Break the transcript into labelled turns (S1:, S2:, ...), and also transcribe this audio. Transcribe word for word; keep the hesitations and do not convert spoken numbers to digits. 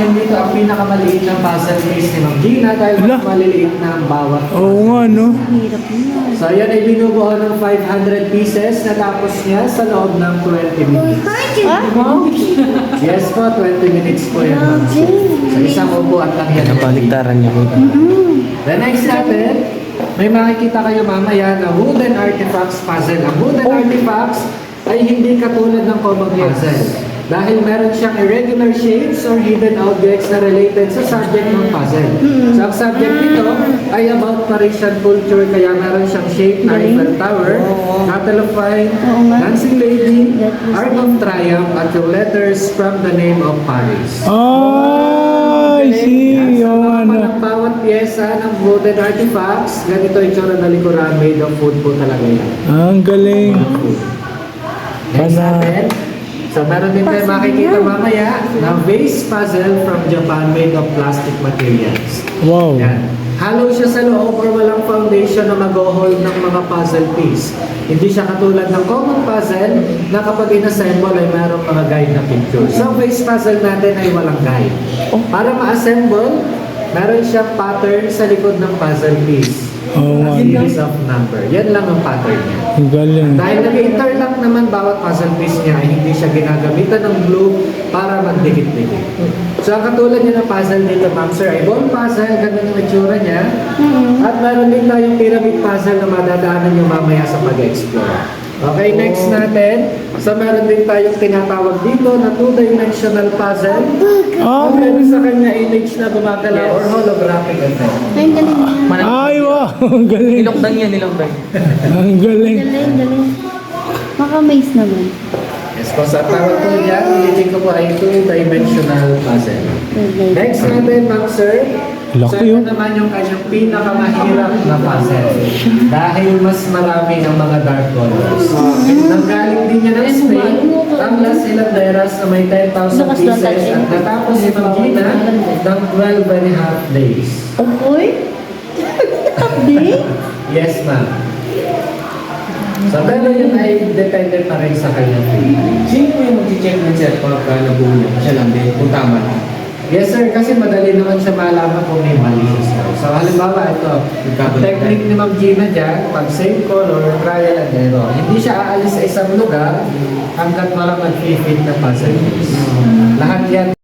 S1: natin dito ang pinakamaliit na puzzle piece ni Ma'am Gina dahil mas
S2: Ala.
S1: maliliit na ang bawat.
S2: Oo nga, no?
S3: Hirap niya.
S1: So yan ay binubuo ng five hundred pieces natapos niya sa loob ng twenty minutes.
S3: Ah? Wow.
S1: Yes po, twenty minutes po yan. Ma'am. Sa isang upuan lang yan.
S2: Nabaligtaran niya po.
S1: The next natin, may makikita kayo mamaya na wooden artifacts puzzle. Ang wooden artifacts ay hindi katulad ng common puzzle. Dahil meron siyang irregular shapes or hidden objects na related sa subject ng puzzle. So ang subject nito ay about Parisian culture, kaya meron siyang shape na Eiffel Tower, Cattle of Wine, Dancing Lady, Arc of Triumph, at yung letters from the name of Paris.
S2: Ah, I see.
S1: Yan,
S2: Oo
S1: sa
S2: nga,
S1: mga
S2: no?
S1: ng bawat pyesa ng wooden artifacts, ganito yung tsura na likuran, made of wood po talaga yan.
S2: Ah, ang galing.
S1: Next
S2: Pana-
S1: natin, so meron din tayo makikita mamaya na vase puzzle from Japan made of plastic materials.
S2: Wow.
S1: Yan. Hollow siya sa loob or walang foundation na mag-hold ng mga puzzle piece. Hindi siya katulad ng common puzzle na kapag inassemble ay mayroong mga guide na picture. So vase puzzle natin ay walang guide. Para ma-assemble, meron siyang pattern sa likod ng puzzle piece.
S2: Oo nga,
S1: A
S2: no?
S1: series of number. Yan lang ang pattern niya.
S2: Ang galing.
S1: Dahil nag-interlock naman bawat puzzle piece niya ay hindi siya ginagamitan ng glue para magdikit-dikit. So ang katulad niya ng puzzle dito, ma'am sir, ay ball puzzle, ganun yung itsura niya. At meron din tayong pyramid puzzle na madadaanan niyo mamaya sa pag-explore. Okay, next natin. So meron din tayong tinatawag dito na two-dimensional puzzle.
S2: Ah,
S1: Ang meron sa kanya image na gumagalaw or holographic effect.
S3: Ay, ang galing niya.
S2: ay, wow. Ang galing.
S4: Nilokdan yan, nilokdan.
S2: Ang galing.
S3: Galing, galing. Maka-amaze naman.
S1: Yes po, sa tawag po niya, niliting ko po ay two-dimensional puzzle. Next natin, ma'am sir.
S2: Laki,
S1: So ito
S2: oh.
S1: naman yung kanyang pinakamahirap na puzzle. Dahil mas marami ng mga dark colors. Nanggaling din niya ng Spain, ang Las Hilanderas na may ten thousand pieces at natapos si Ma'am Gina ng twelve and a half days.
S3: Oy? Update?
S1: Yes, ma'am. So, pero yun ay depende pa rin sa kanyang feeling.
S4: Sino po yung mag-check ng sir pagka nabuo niya? Siya lang din, kung tama na.
S1: Yes sir, kasi madali naman siya malaman kung may mali siya sir. So halimbawa ito, ang technique ni Ma'am Gina dyan, pag same color, trial and error. Hindi siya aalis sa isang lugar hanggat walang mag-fit na puzzle piece. Lahat yan